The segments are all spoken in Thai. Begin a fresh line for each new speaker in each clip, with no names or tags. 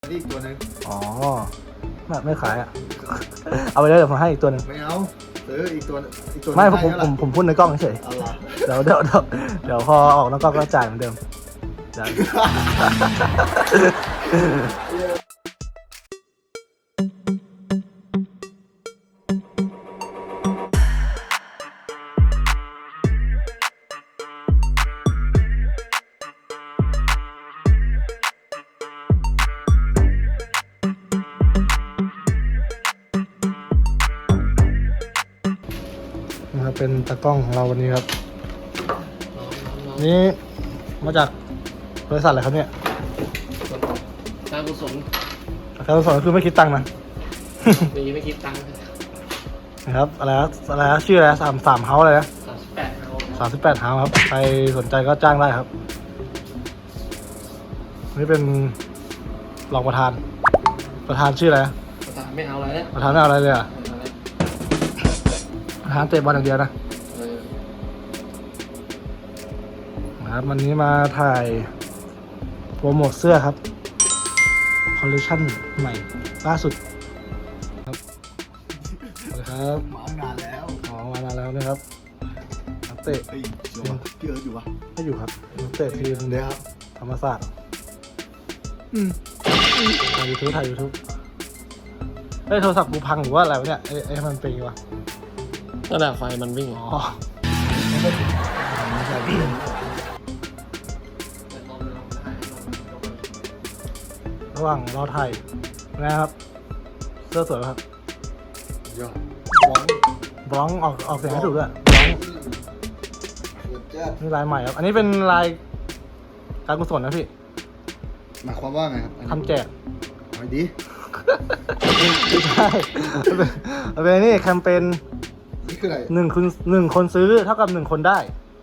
อีกตัวหนึ่ง
อ๋อไม่ขายอ่ะ เอาไปเลยเดี๋ยวผมให้อีกตัวหนึ่ง
ไม่เอาซื้ออีกตัว
ไม่ผมพูดในกล้องเฉย
เอาล่ะ
เดี๋ยวพอออกนอกกล้องก็จ่ายเหมือนเดิมนะครับเป็นตากล้องของเราวันนี้ครับนี่มาจากบริษัทอะไรครับเนี่ย
การกุศล
การกุศลคือไม่คิดตังค์นะ
ดีไม่คิดตังค์
นะครับอะไรชื่ออะไรสามเฮาอะไรนะ
38
เฮาครับใครสนใจก็จ้างได้ครับนี่เป็นรองประธานชื่ออะไร
ไม่เอาอะไรแล้ว
ประธานไม่เอาอะไรเลยอ่ะประธานเตะบอลอย่างเดียวนะครับวันนี้มาถ่ายโปรโมทเสื้อครับคอลเลคชั่นใหม่ล่าสุดครับสวัสดีครับ
มานานแล้ว
มานานแล้วนะครับนักเตะ
พี่เอิร์ธอยู่ปะ
ไม่อยู่ครับนักเตะทีมเดียวครับธรรมศาสตร์ถ่ายยูทูบโทรศัพท์กูพังหรือว่าอะไรวะเนี่ยไอ้มันเป็นไงวะ
นั่นแหละไฟมันวิ่ง
อ๋อไม่ใช่พี่ระหว่างรอถ่ายนะครับเสื้อสวยครับ
ยอด
บล็องออกเสียงให้ถูกด้วยนี่ลายใหม่ครับอันนี้เป็นลายการกุศลนะพี่
หมายความว่าไงครับ
ทำแจก
เอาดี
ไม่ใช่เป็นนี่แคมเปญ
นี่คืออะไร
หนึ่งคนซื้อเท่ากับ1 คนได้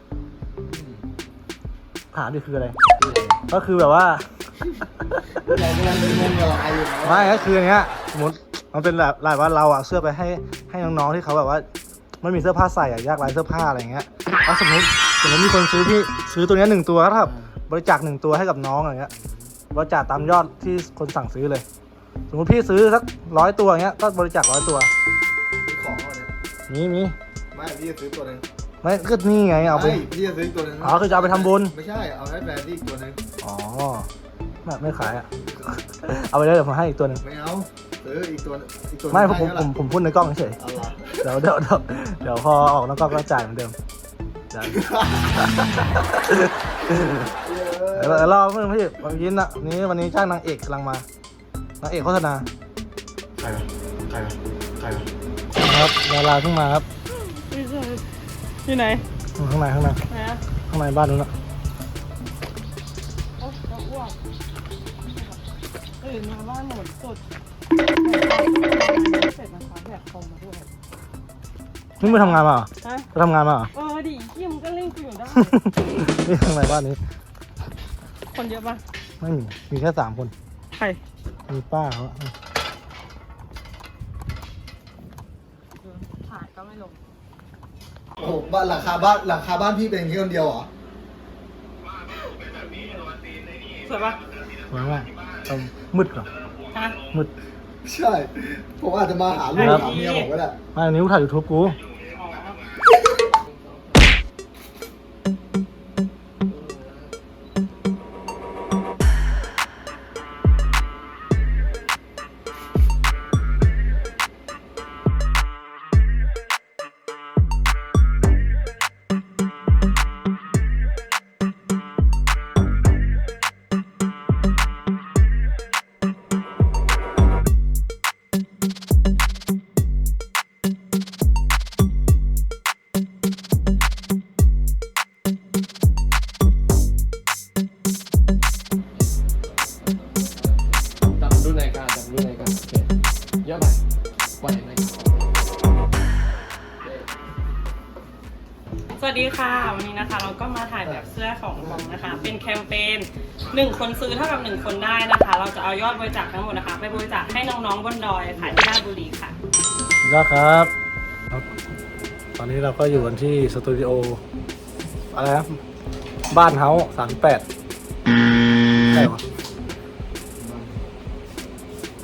ถามดิคืออะไรก็คือแบบว่า
เรากำลังเป็นงงละลายอยู่
ไม่ก็คืออันเนี้ยสมมติมันเป็นแบบลายว่าเราอะเสื้อไปให้น้องๆที่เขาแบบว่าไม่มีเสื้อผ้าใส่อะยากไร้เสื้อผ้าอะไรเงี้ยแล้วสมมติมีคนซื้อตัวนี้1 ตัวก็เท่ากับบริจาค1 ตัวให้กับน้องอะไรเงี้ยบริจาคตามยอดที่คนสั่งซื้อเลยสมมติพี่ซื้อสัก100 ตัวเงี้ยก็บริจาค100 ตัว
มีของอะไร
มี
ไม่พี่จะซื้อตัวนึง
ไม่ก็นี่ไงเอาไป
พี่จะซื้อตัวนึง
อ๋อคือจะเอาไปทำบุญ
ไม่ใช่เอาให้แฟนพี่อีกตัวนึง
อ๋อไม่ขายอ่ะ เอาไปเลยเดี๋ยวผมให้อีกตัวหนึ่ง
ไม่เอาซื้ออีกตัว
ไม่ผมพูดในกล้องเฉย
เอาล่ะ
เดี๋ยวพอออกนอกกล้องก็จ่ายเหมือนเดิมรอเพื่อนพี่วันนี้จ้างนางเอกกำลังมานางเอกโฆษณาใครครับดาราเพิ่งมาครับ
ที่ไหน
ข้างในบ้านนู้นนะ
ตื่นมาบ้านหมดสดเสร็จนะคะแบบคอมมาด้วย
นี่มึงทำงานมาเหรอไปทำงานมาเหรอ
ดิที่มึงก็เล่นกูอยู่ได้
นี่ข้างในบ้านนี้
คนเยอะปะ
ไม่มีแค่3 คน
ใคร
มีป้าเขา
ถ่ายก็ไม่ลง
โอ้โหบ้านหลังคาบ้านพี่เป็นแค่คนเดียวเหรอ
สวยปะ
สวยมากมืดเหรอมืด
ใช่ผมอาจจะมาหาลูกหาเมียผมก็ได้
ไม่อันนี้กูถ่าย YouTube กู
เยอะไปปล่อยไหม
สวัสดีค่ะวันนี้นะคะเราก็มาถ่ายแบบเสื้อของบอมนะคะเป็นแคมเปญ1 คนซื้อเท่ากับ1 คนได้นะคะเราจะเอายอดบริจาคทั้งหมดนะคะไปบริจาคให้น้องๆบนดอยค่ะที่ราชบุรีค่ะ
ยอดครับตอนนี้เราก็อยู่กันที่สตูดิโออะไรนะบ้านเฮาส์38ใช่ปะ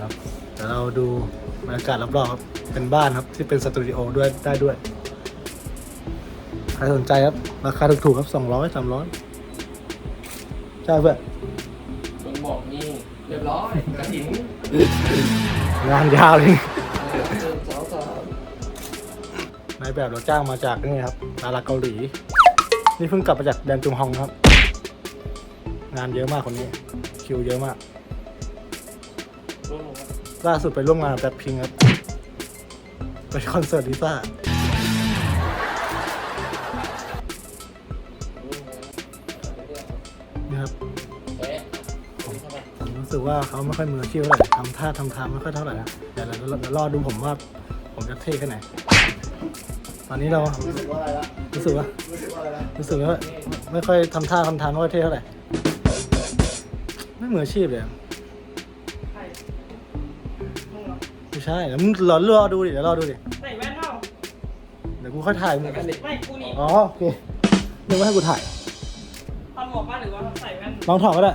ครับเดี๋ยวเราดูบรรยากาศรอบๆครับเป็นบ้านครับที่เป็นสตูดิโอด้วยได้ด้วยใครสนใจครับราคาถูกๆครับ200-300ใช่เพื่อน
มึงบอกนี่เรียบร้อยกระถิ่น
งานยาวเลย
สาวสาว
นายแบบเราจ้างมาจากนี่ครับดาราเกาหลี นี่เพิ่งกลับมาจากแดนจุงฮองครับ งานเยอะมากคนนี้คิวเยอะมาก
ร่วมลงมา
ล่าสุดไปร่วมงานกับแบล็คพิงค์ครับไปคอนเสิร์ตลิซ่า นี่ครับ
เอ๊ะเข้าไป
ผมรู้สึกว่าเขาไม่ค่อยมืออาชีพเท่าไหร่ทำท่าทางไม่ค่อยเท่าไหร่นะเดี๋ยวเรารอดูผมว่าผมจะเท่แค่ไหน ตอนนี้เรา
รู้สึกว่าอะไรละ
รู้สึกว่า
รู้สึกว่าอะไรละ
รู้สึกว่าไม่ค่อยทำท่าทำทางไม่ค่อยเท่เท่าไหร่ไม่มืออาชีพเลยอะ
ใครมึงเหรอ
ไม่ใช่เดี๋ยวมึงรอดูดิเดี๋ยวรอดูดิ
ใส่แว่นเปล่า
เดี๋ยวกูค่อยถ่ายมึง
ไม่กูนี่
อ๋อโอเคนึกว่าให้กูถ่าย
ตอนหมวกป่ะหรือว่าใส่แว่น
ลองถอดก็ได้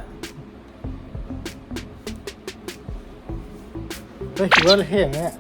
เฮ้ยคิดว่าเท่อย่างเงี้ย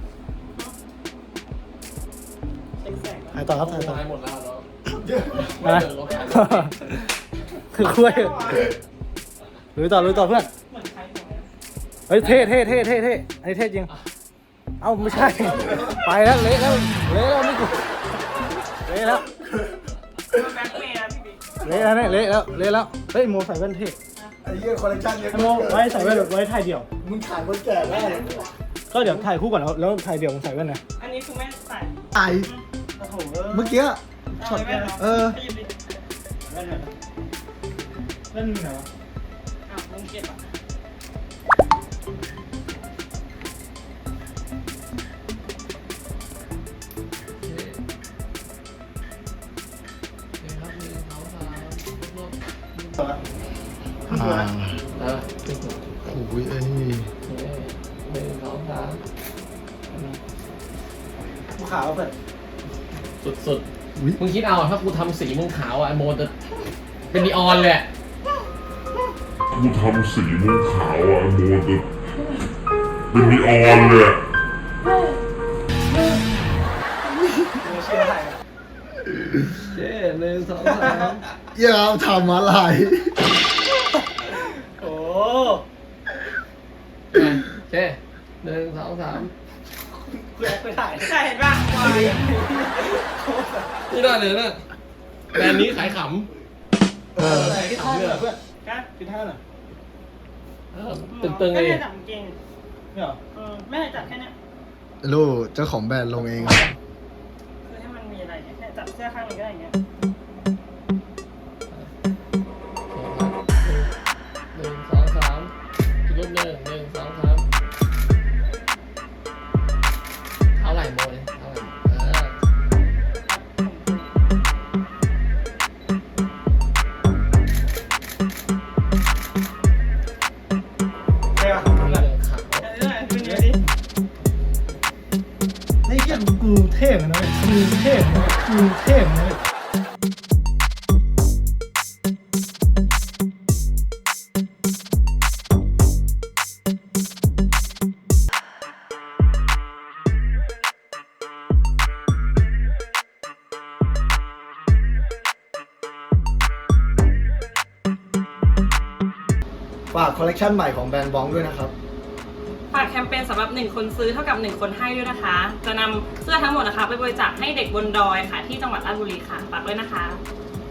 เช็คแสง
ถ่ายต่อครับถ่ายต่อ
ตายหมดแล้วเนาะ
นะ คือคุยลุยต่อเพื่อน
เหมือนใครของเนี่ย
เฮ้ยเท่อันนี้เท่จริง เอ้าไม่ใช่ ไปแล้วเละแล้วนี่กูเละแล้ว
มันแบ็คเมย์นะพี่บิ๊ก
เละแล้วเนี่ยเละแล้วเฮ้ยโมใส่แว่นเท่
ไอ้เหี้ยคอลเลคชันเนี้ย
ไอ้โมไว้ใส่แว่นไว้ถ่ายเดี่ยว
มึงขายคนแก่ได้
ก็เดี๋ยวถ่ายคู่ก่อนแล้วถ่ายเดี่ยวผมใส่แว่นนะ
อันนี้คือไม่ใส่
ไอ้เมื่อกี้
ช็อตแว่นเหรอ
เออ
ไปหยิบดิ
แว่นไหนแว่นไหนวะ
อ้าวมึงเก็บอ่ะ
โอ้ยไอ้
กูขาวเพื่อน
สุดๆมึงคิดเอาถ้ากูทำสีมึงขาวอ่ะไอโมจะเป็นนีออนเลยอะ
กูทำสีม่วงขาวอ่ะโมจะเป็นนีออนเลยอะ
มือเชื่อถ่าย
เจ๊1 2 3
อย่าทำอะไร
โอ้
เจ๊1 2 3
กูแอคไปถ่าย
ใช่เห็นป่ะวาย
นี่ได้เลยนะแบรนด์นี้ขายข
คิดท่าหน่อยเพื่อน
นะ
คิดท่าหน่อย
ำตึงๆ
ไม่
เลย
ได้จับเก่ง
เนี่ยเหรอ
ไม่ได้จับแค่เนี้ย
ลูกเจ้าของแบรนด์ลงเอง
คือให้มันมีอะไรเนี่ยแค่จับเสื้อข้างหนึงก็ได้อย่างเงี้ย
1 2 3อีกรูปหนึ่ง1 2 3เท่าไหร่โมเนี่ยเท่าไหร่
เท่ปะ
ขาว
ดูเดี๋ยวดิ
นี่เกี่ยกูเท่เหมือนกันนะกูเท่เหมือนกันกูเท่เหมือนกัน
ฝากคอลเลคชันใหม่ของแบรนด์บ้องด้วยนะครับ
ฝากแคมเปญสำหรับ1คนซื้อเท่ากับ1คนให้ด้วยนะคะ จะนำเสื้อทั้งหมดนะคะไปบริจาคให้เด็กบนดอยค่ะ ที่จังหวัดราชบุรีค่ะฝากด้วยนะคะ